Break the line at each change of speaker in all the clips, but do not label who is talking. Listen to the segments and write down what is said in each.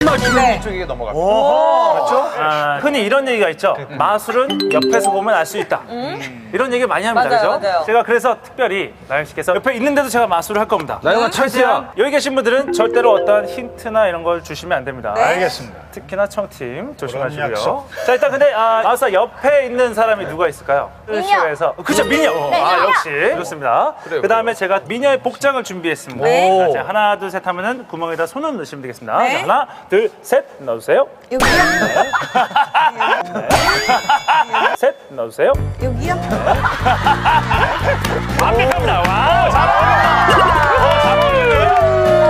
마술은 이쪽에 넘어갑니다. 그렇죠?
흔히 이런 얘기가 있죠. 마술은 옆에서 보면 알 수 있다. 이런 얘기 많이 합니다.
맞아요,
그죠?
맞아요.
제가 그래서 특별히 나영 씨께서 옆에 있는데도 제가 마술을 할 겁니다.
나영아 찬스야.
여기 계신 분들은 절대로 어떠한 힌트나 이런 걸 주시면 안 됩니다.
알겠습니다.
특히나 청팀 조심하시고요.
약속.
자, 일단 근데 마술사 옆에 있는 사람이 누가 있을까요? 쇼에서 그죠, 미녀. 역시 좋습니다. 그 다음에 제가 미녀의 복장을 준비했습니다.
네.
자, 하나, 둘, 셋 하면은 구멍에다 손을 넣으시면 되겠습니다. 자, 하나, 둘, 셋 넣어주세요.
여기요?
셋 넣어주세요.
여기요?
완벽합니다. 와우, 잘 어울리네요.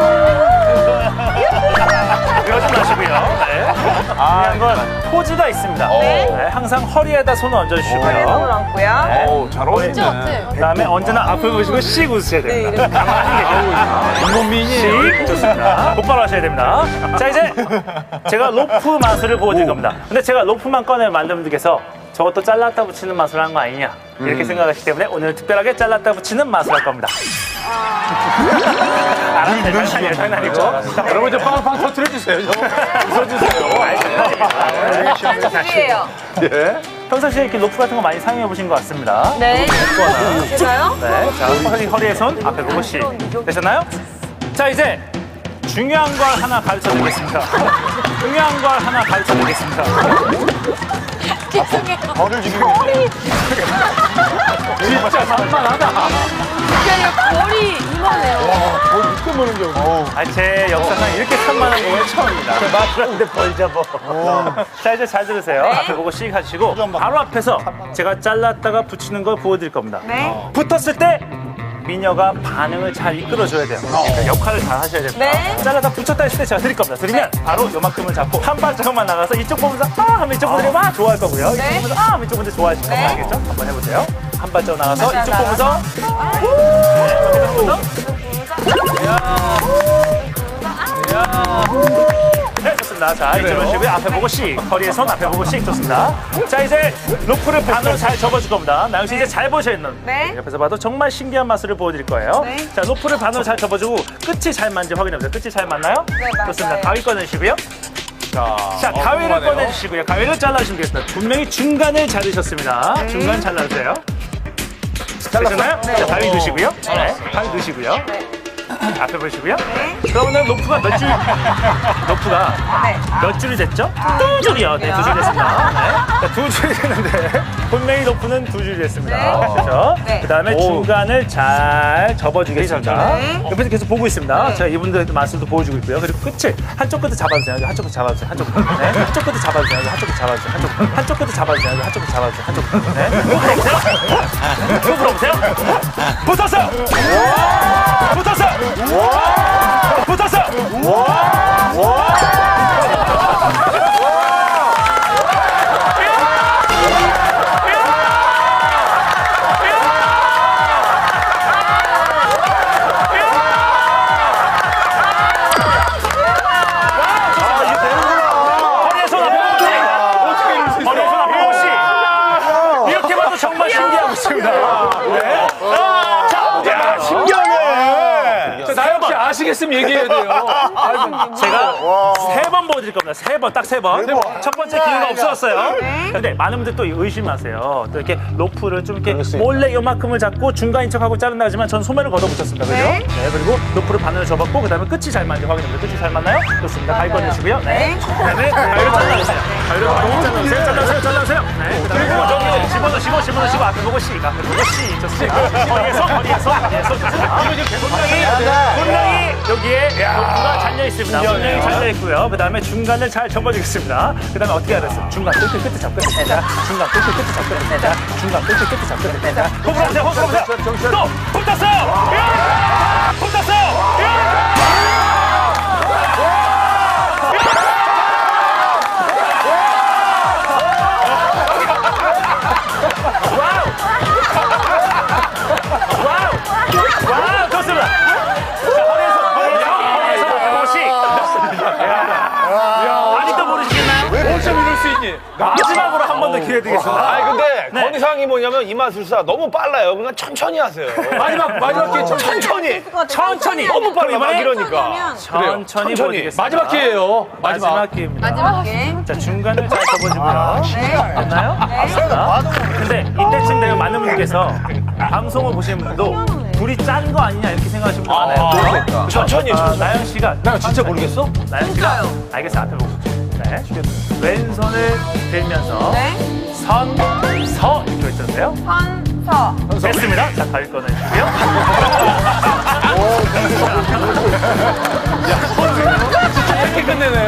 이거 좀 마시고요. 네. 중요한 건 포즈가 있습니다. 네, 항상 허리에다 손을 얹어주시고요.
손을 얹고요.
네.
오, 잘 어울리네.
그다음에 언제나 앞을 보시고 씩 웃으셔야 됩니다. 가만히 계세요.
인문민이.
좋습니다. 곧바로 하셔야 됩니다. 자, 이제 제가 로프 마술을 보여드릴 겁니다. 근데 제가 로프만 꺼내 만든 분들께서 저것도 잘랐다 붙이는 마술을 한 거 아니냐 이렇게 생각하시기 때문에 오늘 특별하게 잘랐다 붙이는 마술을 할 겁니다. 알았어요. 장난이고.
자, 여러분 저 빵빵 터트려주세요. 웃어주세요.
준비해요.
예.
평상시에 이렇게 로프 같은 거 많이 사용해 보신 것 같습니다.
네. 제가요?
네. 자, 허리에 손, 앞에 보고 씩. 되셨나요? 자, 이제 중요한 걸 하나 가르쳐 드리겠습니다. 중요한 걸 하나 가르쳐 드리겠습니다.
벌을 주는 진짜 산만하다.
머리 이만해요.
벌 늦게 보는 경
제 역사상 이렇게 산만한 건 처음입니다. 마술하는데 벌 잡아. 자, 이제 잘 들으세요. 앞에 보고 씩 하시고 바로 앞에서 제가 잘랐다가 붙이는 걸 보여드릴 겁니다.
네.
붙었을 때 미녀가 반응을 잘 이끌어줘야 돼요. 그러니까 역할을 잘 하셔야 됩니다.
네.
잘라다 붙였다 했을 때 제가 드릴 겁니다. 드리면 바로 요만큼을 잡고 한 발짝만 나가서 이쪽 보면서 아 하면 이쪽 분들이 막 좋아할 거고요. 이쪽
네.
보면서 아 하면 이쪽 분들이 좋아하실 겁니다.
네.
알겠죠? 한번 해보세요. 한 발짝 나가서
맞아,
이쪽
나가서.
보면서 네, 좋습니다. 자, 이쪽으로 시고요. 앞에 보고 씩. 허리에 손 앞에 보고 씩. 좋습니다. 자, 이제 로프를 반으로 잘 접어줄 겁니다. 나영 씨 이제 잘 보셔야 있는.
네.
옆에서 봐도 정말 신기한 마술을 보여드릴 거예요.
네.
자, 로프를 반으로 잘 접어주고 끝이 잘 맞는지 확인해보세요. 끝이 잘 맞나요?
네, 맞아요.
좋습니다. 가위 꺼내시고요. 자, 가위를 꺼내주시고요. 가위를 잘라주시면 되겠습니다. 분명히 중간을 자르셨습니다. 중간 잘라주세요. 되셨나요?
네.
자, 가위 넣으시고요. 네, 가위 넣으시고요. 앞에 보시고요.
네.
그러면 로프가 몇 줄? 로프가
네.
몇 줄이 됐죠? 두 줄이요. 네, 두 줄 됐습니다. 네. 자, 두 줄이 됐는데 분명히 로프는 두 줄이 됐습니다.
네.
그렇죠?
네.
그 다음에 중간을 잘 접어주겠습니다.
네.
옆에서 계속 보고 있습니다.
네.
제가 이분들 마술도 보여주고 있고요. 그리고 끝을 한쪽 끝을 잡아주세요. 한쪽 끝 잡아주세요. 한쪽 끝. 네. 한쪽 끝을 잡아주세요. 한쪽 끝 잡아주세요. 한쪽 끝을 잡아주세요. 한쪽 끝 잡아주세요. 한쪽 끝. 네. 또 불어보세요. 붙었어요. 붙었어요. 붙었어요. 허리에 손 앞에 보고 씩. 허리에 손 앞에 보고 씩. 이렇게 봐도 정말 신기하고 있습니다. 네.
야, 신기하네. 나영 씨 아시겠으면 얘기해야 돼요.
제가 세 번 보여드릴 겁니다. 세 번, 딱 세 번. 첫 번째 기회가 없었어요. 근데 많은 분들 또 의심하세요. 또 이렇게 로프를 좀 이렇게 몰래 요만큼을 잡고 중간인 척하고 자른다 하지만 전 소매를 걷어붙였습니다. 그죠?
네.
네. 그리고 로프를 반으로 접었고, 그 다음에 끝이 잘 맞는지 확인해보세요. 끝이 잘 맞나요? 좋습니다. 가위 꺼내시고요. 네. 그 다음에 가위를 잘라주세요. 가위를 잘라주세요. 잘라주세요. 네. 그 다음에 저기 집어넣으시고, 앞에 보고 씩. 앞에 보고 씩. 좋습니다. 허리에 손. 좋습니다. 분명히 여기에 로프가 잘려 있습니다. 분명히 잘려 있고요. 그 다음에 중간을 잘 접어주겠습니다. 그 다음에 어떻게 알았어요? 중간 끝을 잡고 됩니다. 중간 끝을 잡고 됩니다. 중간 끝을 잡고 됩니다. 호흡하세요. 또 붙었어요. 붙었어요. 와우, 좋습니다. 아직도 모르시겠나요?
어쩜 이럴 수 있니?
마지막으로 한 번 더 기회 드리겠습니다.
아니 근데 건의사항이 뭐냐면 이마술사 너무 빨라요. 그러니까 천천히 하세요.
마지막 기회
천천히.
천천히.
너무 빨라 막 이러니까.
천천히
천천히.
보여드리겠습니다.
마지막 기회예요.
마지막 기회입니다.
마지막 게임.
자, 중간을 잘 접어주고요. 맞나요?
네.
근데 이때쯤 되면 많은 분들께서 방송을 보시는 분도 둘이 짠 거 아니냐 이렇게 생각하시는 분들 많아요.
천천히.
나영 씨가
나 진짜 모르겠어?
나영 씨가 알겠어요. 앞에 보고. 네. 왼손을 들면서
네.
선, 서 이렇게 외쳤는데요.
선서.
됐습니다. 자, 가위 꺼내주고요.
이렇게 끝내네.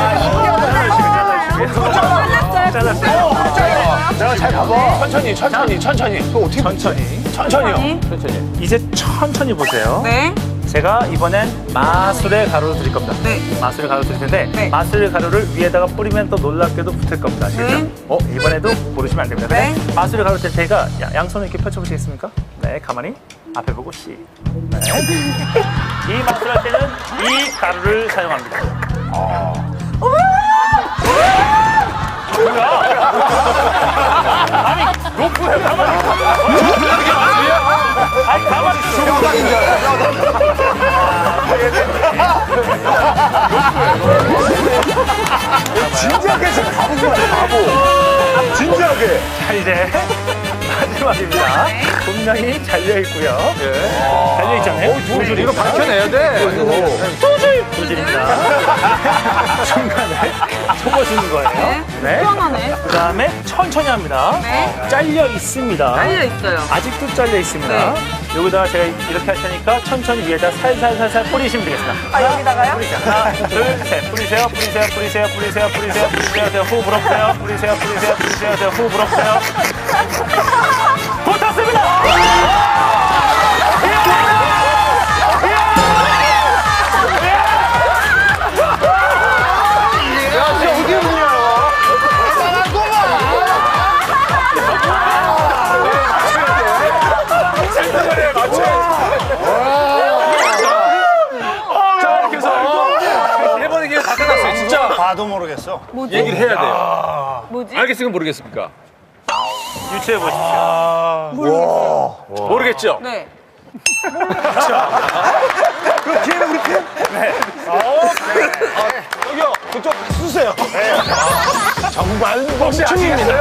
끝났어요.
자, 잘 봐봐.
천천히.
천천히.
천천히요.
천천히.
이제 천천히 보세요.
네.
제가 이번엔 마술의 가루를 드릴 겁니다.
네.
마술의 가루 드릴 텐데
네.
마술의 가루를 위에다가 뿌리면 또 놀랍게도 붙을 겁니다. 아시겠죠?
네.
이번에도 모르시면 안 됩니다.
네.
그냥 마술의 가루 될 테니까 양손을 이렇게 펼쳐보시겠습니까? 네, 가만히 앞에 보고 씨. 네. 이 마술할 때는 이 가루를 사용합니다. 아니, 로프에 가만히 아니, 가만히 있어.
진지하게 지금 바본 거야, 바보. 진지하게.
자, 이제 마지막입니다. 분명히 잘려있고요. 잘려있잖아요. 두 줄.
이거 밝혀내야 돼.
두 줄입니다. 중간에 접어주는 거예요. 네.
시원하네.
그 다음에 천천히 합니다.
네.
잘려 있습니다.
깔려 있어요.
아직도 잘려 있습니다.
네.
여기다가 제가 이렇게 할 테니까 천천히 위에다 살살살살 뿌리시면 되겠습니다.
아, 여기다가요?
하나, 둘, 셋. 뿌리세요. 후 불어보세요. 뿌리세요. 후 불어보세요. 붙었습니다!
자, 이렇게 해서 일본의 기회 다 끝났어요. 진짜
봐도 모르겠어.
얘기를 해야 돼요.
뭐지?
알겠습니까? 모르겠습니까?
유추해 보십시오.
모르겠죠?
네.
여기요, 그쪽 쓰세요. 정말
혹시 아시겠어요?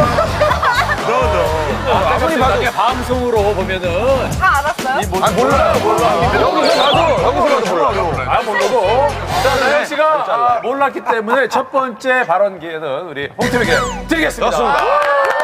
아무리 봐도.
나중에 방송으로 보면은
다 알았어요?
몰라요.
여기서 봐도 몰라요. 아, 모르고. 자, 나영 씨가 몰랐기 때문에 첫 번째 발언 기회는 우리 홍팀에게 드리겠습니다.
좋습니다.